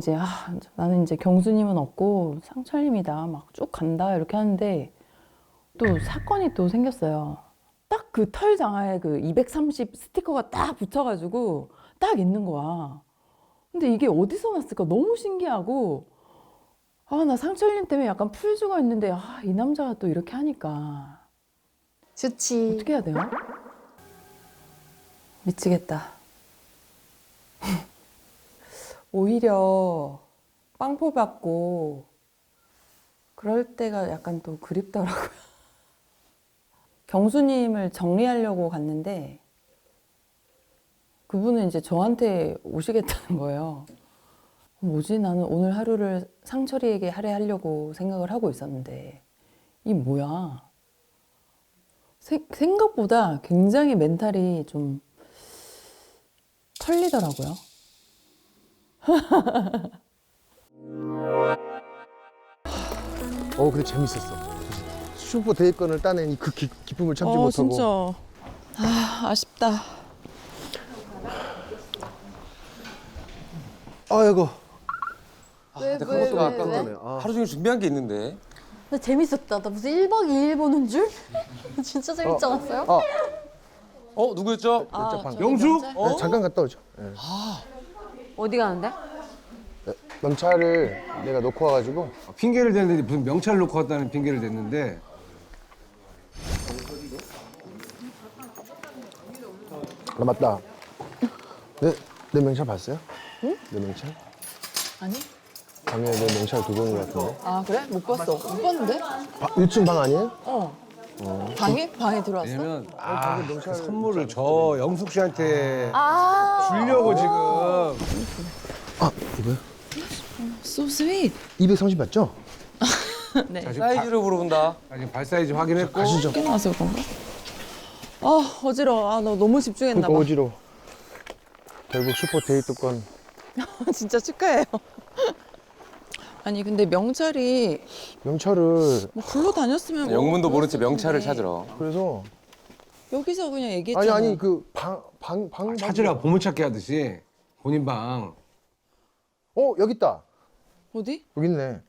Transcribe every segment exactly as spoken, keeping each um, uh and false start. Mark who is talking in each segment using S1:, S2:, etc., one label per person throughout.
S1: 이제 아, 나는 이제 경수님은 없고 상철님이다 막 쭉 간다 이렇게 하는데 또 사건이 또 생겼어요. 딱 그 털 장화에 그 이백삼십 스티커가 딱 붙여가지고 딱 있는 거야. 근데 이게 어디서 났을까 너무 신기하고 아, 나 상철님 때문에 약간 풀 죽어 있는데 아, 이 남자가 또 이렇게 하니까
S2: 좋지.
S1: 어떻게 해야 돼요? 미치겠다. 오히려 빵포 받고 그럴 때가 약간 또 그립더라고요. 경수님을 정리하려고 갔는데 그분은 이제 저한테 오시겠다는 거예요. 뭐지? 나는 오늘 하루를 상철이에게 할애하려고 생각을 하고 있었는데 이 뭐야? 세, 생각보다 굉장히 멘탈이 좀 털리더라고요.
S3: 어 근데 재밌었어. 슈퍼 대회권을 따낸 그 기, 기쁨을 참지
S1: 어,
S3: 못하고.
S1: 진짜. 아, 아쉽다.
S3: 아이고.
S4: 아,
S2: 왜,
S4: 근데
S2: 왜,
S4: 그것도
S2: 왜,
S4: 아까
S2: 왜?
S3: 아.
S4: 하루 종일 준비한 게 있는데.
S2: 근데 재밌었다. 나 무슨 일 박 이 일 보는 줄? 진짜 재밌지 않았어요?
S3: 아,
S4: 어 누구였죠?
S1: 아,
S3: 방-
S1: 저기
S5: 영수?
S1: 명찰?
S3: 네, 잠깐 갔다 오죠. 네.
S2: 어디 가는데?
S3: 네, 명찰을 내가 놓고 와가지고.
S5: 핑계를 댔는데 무슨 명찰 놓고 왔다는 핑계를 댔는데
S3: 아 맞다. 내, 내 명찰 봤어요? 응? 내 명찰?
S1: 아니?
S3: 방에 내 명찰 두고 온 것 같은데.
S1: 아, 그래? 못 봤어. 못 봤는데?
S3: 바, 일 층 방 아니에요?
S1: 어. 방에? 방에 들어왔어?
S5: 왜냐면 아, 그 선물을 저 영숙 씨한테
S2: 아.
S5: 주려고 지금
S3: 아 이거요?
S1: So sweet.
S3: 이백삼십 맞죠?
S1: 네.
S5: 자, 지금, 발,
S4: 사이즈를 물어본다.
S5: 자, 지금 발 사이즈 확인했고
S3: 가시죠.
S1: 늦게 나와서 그런가? 아, 어지러워. 아, 너 너무 집중했나
S3: 그러니까
S1: 봐.
S3: 어지러워. 결국 슈퍼 데이트권.
S1: 진짜 축하해요. 아니, 근데 명찰이
S3: 명찰을
S1: 뭐 굴러 다녔으면 뭐
S4: 영문도 모른 채
S1: 그랬을
S4: 명찰을
S1: 텐데
S4: 찾으러.
S3: 그래서
S1: 여기서 그냥 얘기했잖아.
S3: 아니 아니 그 방 방 방
S5: 찾으라 보물찾기 하듯이 본인 방
S3: 어 여기 있다.
S1: 어디?
S3: 여기 있네.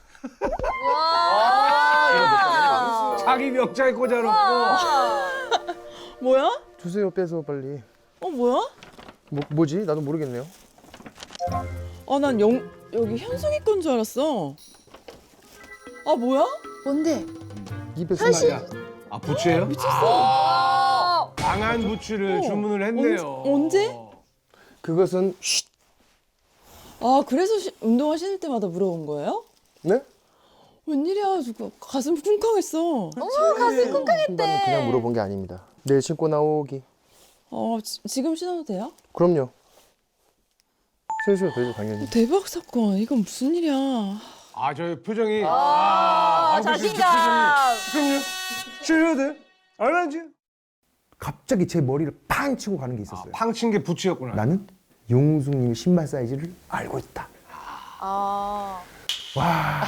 S5: 자기 명찰 꽂아놓고
S1: 뭐야?
S3: 주세요 빼서 빨리.
S1: 어, 뭐야?
S3: 뭐 뭐지? 나도 모르겠네요.
S1: 아, 난 영, 여기 현숙이 건 줄 알았어. 아, 뭐야?
S2: 뭔데?
S3: 이백삼십.
S5: 야, 아 부츠예요?
S1: 미쳤어.
S5: 강한 부츠를
S1: 어.
S5: 주문을 했네요.
S1: 언제- 언제?
S3: 그것은 쉿.
S1: 아, 그래서 시, 운동화 신을 때마다 물어본 거예요?
S3: 네?
S1: 웬일이야, 저거 가슴 쿵쾅했어.
S2: 어머, 가슴 쿵쾅했대.
S3: 신발은 그냥 물어본 게 아닙니다. 내일 신고 나오기.
S1: 어, 지, 지금 신어도 돼요?
S3: 그럼요. 신으셔도 되죠 당연히.
S1: 대박 사건. 이건 무슨 일이야.
S5: 아 저 표정이 아,
S2: 자신감.
S5: 그럼요. 신어도 돼? 알았지?
S3: 갑자기 제 머리를 팡 치고 가는 게
S5: 아,
S3: 있었어요.
S5: 팡친 게 부츠였구나.
S3: 나는 용숙님의 신발 사이즈를 알고 있다.
S2: 아.
S3: 와.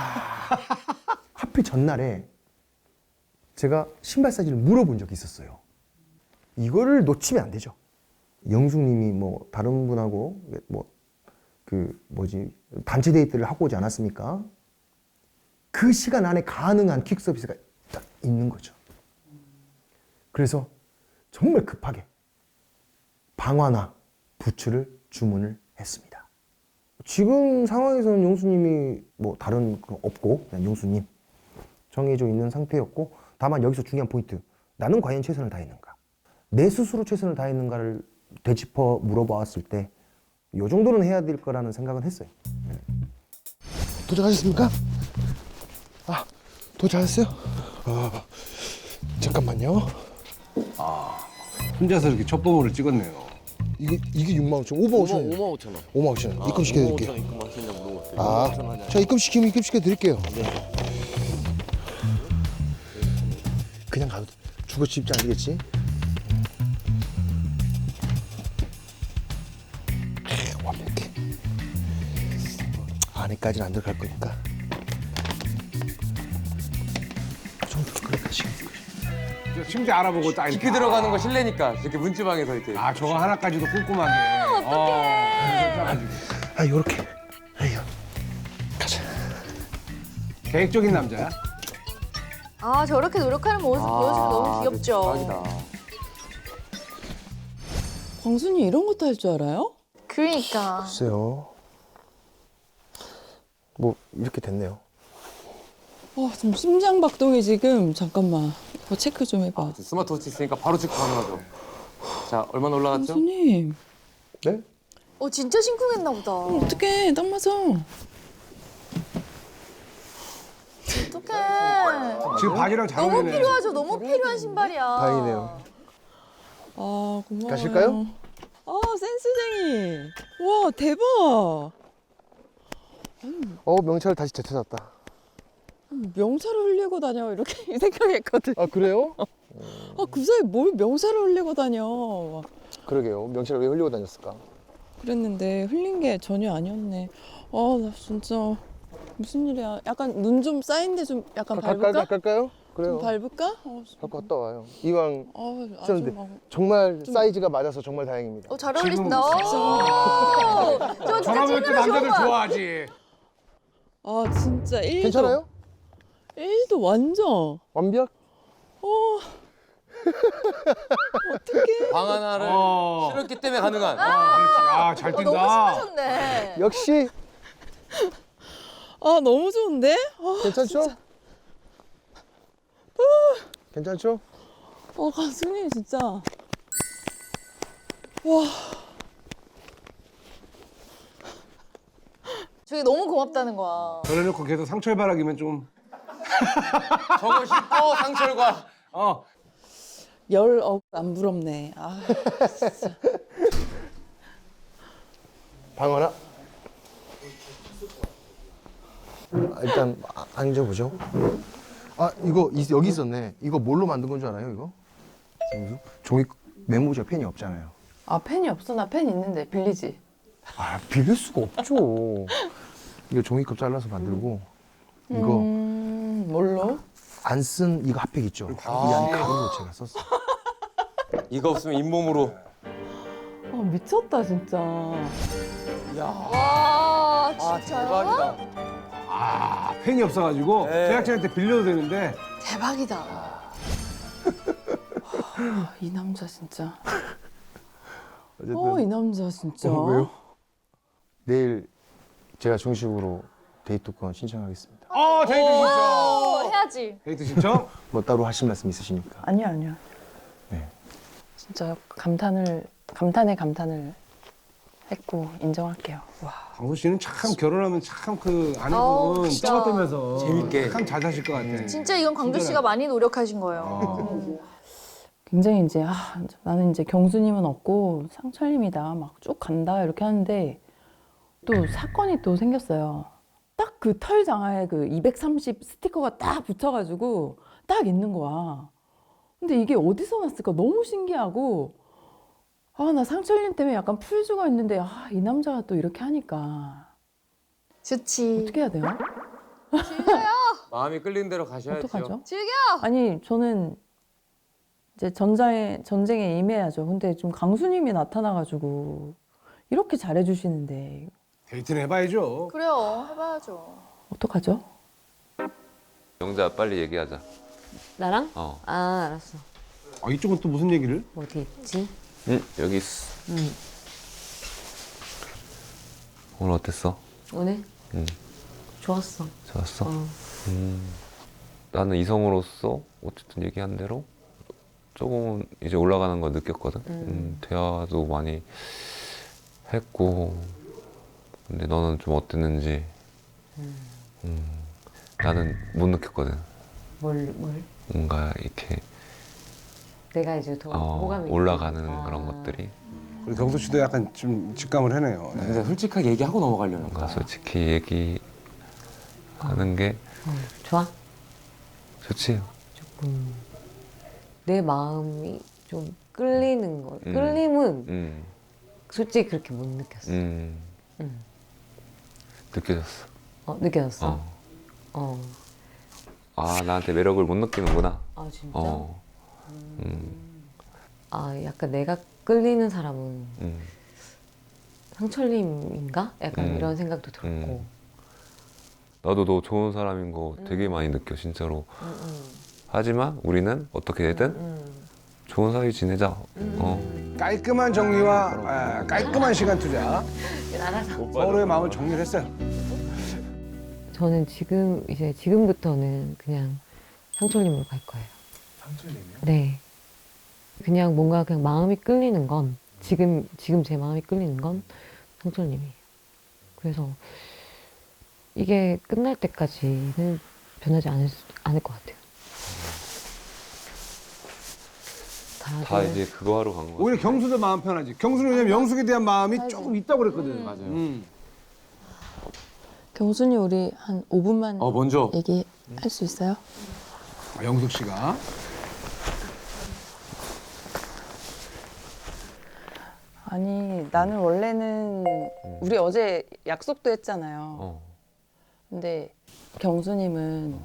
S3: 하필 전날에 제가 신발 사이즈를 물어본 적이 있었어요. 이거를 놓치면 안 되죠. 영숙님이 뭐 다른 분하고 뭐 그 뭐지 단체 데이트를 하고 오지 않았습니까? 그 시간 안에 가능한 퀵 서비스가 딱 있는 거죠. 그래서 정말 급하게 방화나 부츠를 주문을 했습니다. 지금 상황에서는 용수님이 뭐 다른 거 없고 그냥 용수님 정해져 있는 상태였고 다만 여기서 중요한 포인트 나는 과연 최선을 다했는가 내 스스로 최선을 다했는가를 되짚어 물어봤을 때 이 정도는 해야 될 거라는 생각은 했어요. 네. 도착하셨습니까? 아 도착하셨어요? 아, 잠깐만요.
S5: 혼자서 이렇게 첫 보물을 찍었네요.
S3: 이게 이게 육만 오천 오만 오천 원.
S6: 오만 오천 원.
S3: 오만 오천 원. 입금 시켜드릴게요.
S6: 입금하시냐 물어봤어요.
S3: 아, 자 입금 시키면 입금 시켜드릴게요. 그냥 가도 돼. 죽어 싶지 않겠지? 에이, 완벽해. 안에까지는 안 들어갈 거니까. 좀 그렇게 시간.
S5: 심지어 알아보고 딱 이렇게
S4: 깊이 들어가는 거 실례니까 이렇게 문지방에서 이렇게.
S5: 아 저거 하나까지도 꼼꼼하게. 어떡해.
S3: 아, 요렇게. 에휴.
S5: 계획적인 남자야.
S2: 아 저렇게 노력하는 모습 보여주면 너무 귀엽죠.
S4: 대박이다.
S1: 광순이 이런 것도 할 줄 알아요?
S2: 그러니까.
S3: 글쎄요. 뭐 이렇게 됐네요.
S1: 와, 지금 심장 박동이 지금 잠깐만 이거 체크 좀 해봐.
S4: 스마트워치 있으니까 바로 체크 가능하죠. 자, 얼마나 올라갔죠?
S1: 광순이
S3: 네?
S2: 어 진짜 심쿵했나 보다.
S1: 어떡해, 딱 맞아.
S2: 어떡해.
S5: 지금 바지랑 잘
S2: 너무
S5: 어울리네.
S2: 필요하죠. 너무 필요한 신발이야.
S3: 다행이네요.
S1: 아, 고마워요.
S3: 가실까요?
S1: 아, 센스쟁이. 와, 대박.
S3: 어 명찰 다시 되찾았다.
S1: 명사를 흘리고 다녀 이렇게 생각했거든.
S3: 아 그래요?
S1: 아, 그 사이 뭘 명사를 흘리고 다녀.
S3: 그러게요. 명찰을 왜 흘리고 다녔을까?
S1: 그랬는데 흘린 게 전혀 아니었네. 아, 나 진짜 무슨 일이야. 약간 눈 좀 쌓인데 좀 약간 밟을까?
S3: 갈까요?
S1: 좀
S3: 그래요.
S1: 밟을까? 어,
S3: 갖고 갔다 와요. 이왕
S1: 아, 아주
S3: 쓰는데
S1: 막
S3: 정말 사이즈가 맞아서 정말 다행입니다.
S2: 어 잘 어울리신다.
S5: 지금
S2: 오! 저 진짜
S5: 저라면 또
S2: 찐으로 좋은
S5: 남자들
S2: 거야.
S5: 좋아하지.
S1: 아, 진짜 일도
S3: 괜찮아요?
S1: 일도 완전.
S3: 완벽?
S1: 어. 어떡해.
S4: 방 하나를
S5: 어.
S4: 실었기 때문에 가능한.
S5: 아, 잘
S2: 어, 너무
S5: 뛴다.
S2: 심하셨네.
S3: 역시
S1: 아, 너무 좋은데? 아,
S3: 괜찮죠? 괜찮죠?
S1: 어, 가수님 진짜.
S2: 저게 너무 고맙다는 거야.
S5: 그래놓고 계속 상철바라기면 좀.
S4: 저거 싣고 상철과.
S5: 어.
S1: 열 억 안 부럽네. 아,
S3: 방어나? 아, 일단 아, 앉아보죠. 아 이거 이- 여기 있었네. 이거 뭘로 만든 건 줄 알아요? 이거? 무슨? 종이 메모지와 펜이 없잖아요.
S1: 아, 펜이 없어. 나 펜 있는데 빌리지.
S3: 아 빌릴 수가 없죠. 이거 종이컵 잘라서 만들고 이거
S1: 음, 뭘로?
S3: 안 쓴 이거 핫팩 있죠. 이 안에 가루로 제가 썼어요.
S4: 이거 없으면 잇몸으로.
S1: 아, 미쳤다 진짜.
S4: 야,
S2: 와
S4: 아
S2: 진짜요?
S4: 대박이다.
S5: 아, 펜이 없어가지고
S4: 네.
S5: 제작진한테 빌려도 되는데.
S2: 대박이다.
S1: 아, 이 남자 진짜.
S3: 어쨌든
S1: 어, 이 남자 진짜.
S3: 어, 왜요? 내일 제가 정식으로 데이트권 신청하겠습니다.
S5: 어, 데이트 신청.
S2: 오 해야지.
S5: 데이트 신청?
S3: 뭐 따로 하실 말씀 있으십니까?
S1: 아니야, 아니야.
S3: 네.
S1: 진짜 감탄을 감탄에 감탄을 했고 인정할게요. 와.
S5: 광수 씨는 참 결혼하면 참 그
S2: 어우,
S5: 아내분은
S2: 진짜.
S5: 떠받들면서
S4: 재밌게.
S5: 참 잘 사실 것 같아.
S2: 진짜 이건 광주 씨가 많이 노력하신 거예요.
S1: 굉장히 이제 아, 나는 이제 경수님은 없고 상철님이다 막 쭉 간다 이렇게 하는데 또 사건이 또 생겼어요. 딱 그 털 장화에 그 이백삼십 스티커가 딱 붙여가지고 딱 있는 거야. 근데 이게 어디서 났을까 너무 신기하고 아, 나 상철님 때문에 약간 풀 죽어 있는데 아, 이 남자가 또 이렇게 하니까
S2: 좋지.
S1: 어떻게 해야 돼요?
S4: 마음이 끌리는 대로 가셔야죠.
S1: 어떡하죠?
S2: 즐겨.
S1: 아니 저는 이제 전장에 전쟁에 임해야죠. 근데 좀 강수님이 나타나가지고 이렇게 잘해주시는데
S5: 데이트는 해봐야죠.
S2: 그래요. 해봐야죠.
S1: 어떡하죠?
S6: 영자 빨리 얘기하자.
S7: 나랑?
S6: 어.
S7: 아, 알았어.
S5: 아, 이쪽은 또 무슨 얘기를?
S7: 어디 있지?
S6: 응 여기 있어.
S7: 응.
S6: 오늘 어땠어?
S7: 오늘?
S6: 응.
S7: 좋았어.
S6: 좋았어?
S7: 어.
S6: 음. 나는 이성으로서 어쨌든 얘기한 대로 조금은 이제 올라가는 거 느꼈거든. 음, 대화도 많이 했고 근데 너는 좀 어땠는지 음, 나는 못 느꼈거든.
S7: 뭘, 뭘?
S6: 뭔가 이렇게
S7: 내가 이제 더
S6: 어,
S7: 호감이
S6: 올라가는
S7: 있구나.
S6: 그런
S7: 아.
S6: 것들이
S5: 우리 경수 씨도 약간 좀 직감을 해내요. 네.
S4: 근데 솔직하게 얘기하고 넘어가려는
S6: 뭔가
S4: 거야.
S6: 솔직히 얘기하는 게
S7: 어, 좋아?
S6: 좋지.
S7: 조금 내 마음이 좀 끌리는 거.
S6: 음.
S7: 끌림은
S6: 음,
S7: 솔직히 그렇게 못 느꼈어.
S6: 음,
S7: 응.
S6: 느껴졌어.
S7: 어, 느껴졌어?
S6: 어.
S7: 어.
S6: 아 나한테 매력을 못 느끼는구나.
S7: 아, 진짜?
S6: 어. 음,
S7: 아, 약간 내가 끌리는 사람은
S6: 음,
S7: 상철님인가? 약간
S6: 음.
S7: 이런 생각도 들었고.
S6: 음. 나도 너 좋은 사람인 거 되게 많이 느껴 진짜로. 하지만 우리는 어떻게 되든 좋은 사이 지내자. 어.
S5: 깔끔한 정리와 아, 깔끔한 시간 투자. 서로의 마음을 정리를 했어요.
S7: 저는 지금 이제 지금부터는 그냥 상철님으로 갈 거예요. 상철님이요? 네. 그냥 뭔가 그냥 마음이 끌리는 건 지금 지금 제 마음이 끌리는 건 상철님이에요. 그래서 이게 끝날 때까지는 변하지 않을, 수- 않을 것 같아요. 다들
S6: 다 이제 그거 하러 간 거야.
S5: 오히려 경수도 마음 편하지. 경수는 왜냐면 영숙에 대한 마음이 조금 있다고 그랬거든.
S4: 맞아요.
S5: 음.
S1: 경순이 우리 한 오 분만
S4: 어 먼저
S1: 얘기할 수 있어요?
S5: 아, 영숙 씨가.
S1: 아니 나는 원래는 우리 어제 약속도 했잖아요.
S6: 어.
S1: 근데 경수님은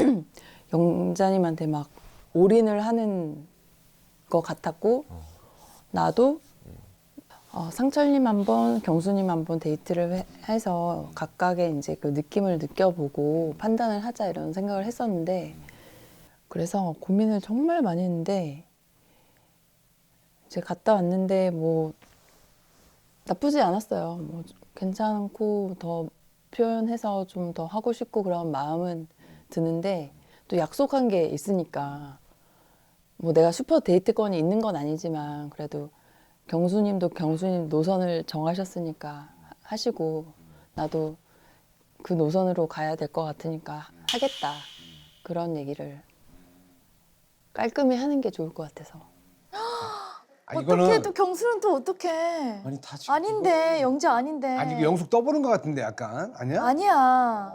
S1: 영자님한테 막 올인을 하는 것 같았고 나도 어, 상철님 한번 경수님 한번 데이트를 해- 해서 각각의 이제 그 느낌을 느껴보고 판단을 하자 이런 생각을 했었는데 그래서 고민을 정말 많이 했는데 이제 갔다 왔는데 뭐 나쁘지 않았어요. 뭐 괜찮고 더 표현해서 좀 더 하고 싶고 그런 마음은 드는데 또 약속한 게 있으니까 뭐 내가 슈퍼 데이트권이 있는 건 아니지만 그래도 경수님도 경수님 노선을 정하셨으니까 하시고 나도 그 노선으로 가야 될 것 같으니까 하겠다 그런 얘기를 깔끔히 하는 게 좋을 것 같아서.
S5: 아,
S2: 어떻게 또 경수는 또 어떻게?
S4: 아니 다 지금
S2: 아닌데 영자 아닌데.
S5: 아니 이거 영숙 떠보는 것 같은데 약간 아니야?
S2: 아니야.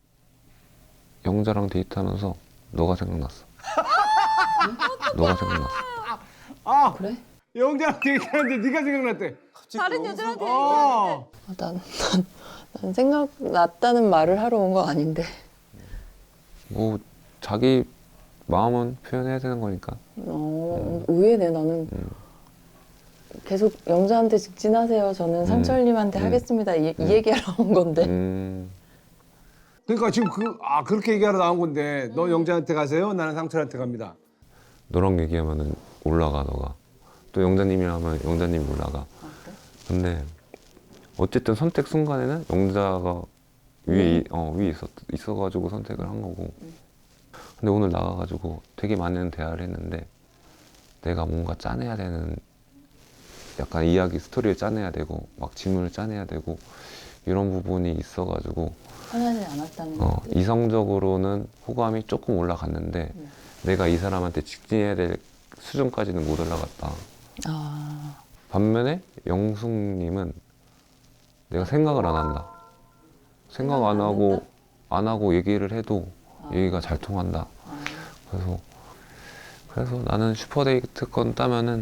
S6: 영자랑 데이트하면서 너가 생각났어. 너가 생각났어.
S5: 아
S1: 그래?
S5: 영자랑 데이트하는데 네가 생각났대.
S2: 다른 여자한테
S5: 어.
S1: 아, 난, 난, 난 생각났다는 말을 하러 온 거 아닌데.
S6: 뭐 자기 마음은 표현해야 되는 거니까.
S1: 어, 의외네 나는. 계속 영자한테 직진하세요. 저는 상철님한테
S6: 음.
S1: 하겠습니다. 이, 이 얘기하러 온 건데.
S6: 음.
S5: 그러니까 지금 그 아 그렇게 얘기하러 나온 건데 너 영자한테 가세요. 나는 상철한테 갑니다.
S6: 너랑 얘기하면은 올라가 너가. 또 영자님이랑 하면 영자님 올라가. 근데 어쨌든 선택 순간에는 영자가 위에 이- 어, 위에 있었, 있어가지고 선택을 한 거고. 근데 오늘 나가가지고 되게 많은 대화를 했는데 내가 뭔가 짜내야 되는 약간 이야기 스토리를 짜내야 되고 막 질문을 짜내야 되고 이런 부분이 있어가지고
S1: 편하지 않았다는
S6: 어,
S1: 얘기.
S6: 이성적으로는 호감이 조금 올라갔는데 내가 이 사람한테 직진해야 될 수준까지는 못 올라갔다.
S1: 아,
S6: 반면에 영숙님은 내가 생각을 안 한다. 생각
S1: 생각을
S6: 안
S1: 안
S6: 하고
S1: 한다?
S6: 안 하고 얘기를 해도 얘기가 잘 통한다.
S1: 아.
S6: 그래서 그래서 나는 슈퍼데이트권 따면은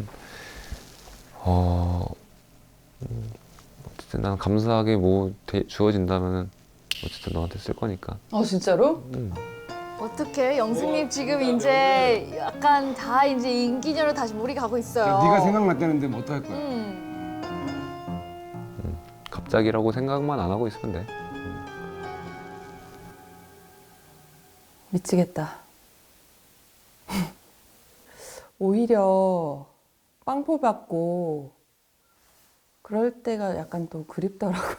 S6: 어 음, 어쨌든 나는 감사하게 뭐 대- 주어진다면은 어쨌든 너한테 쓸 거니까.
S1: 어 진짜로?
S6: 음.
S2: 어떻게 영숙님 지금 이제 약간 다 이제 인기녀로 다시 몰이 가고 있어요.
S5: 네가 생각났다는데 뭐 어떡할 거야?
S2: 음.
S6: 갑자기라고 생각만 안 하고 있으면 돼.
S1: 미치겠다. 오히려 빵포 받고 그럴 때가 약간 또 그립더라고요.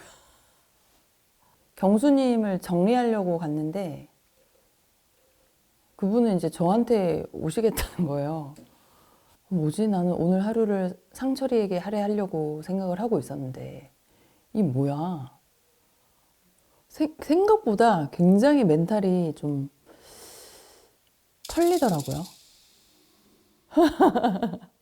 S1: 경수님을 정리하려고 갔는데 그분은 이제 저한테 오시겠다는 거예요. 뭐지? 나는 오늘 하루를 상철이에게 할애하려고 생각을 하고 있었는데 이 뭐야? 세- 생각보다 굉장히 멘탈이 좀 털리더라고요.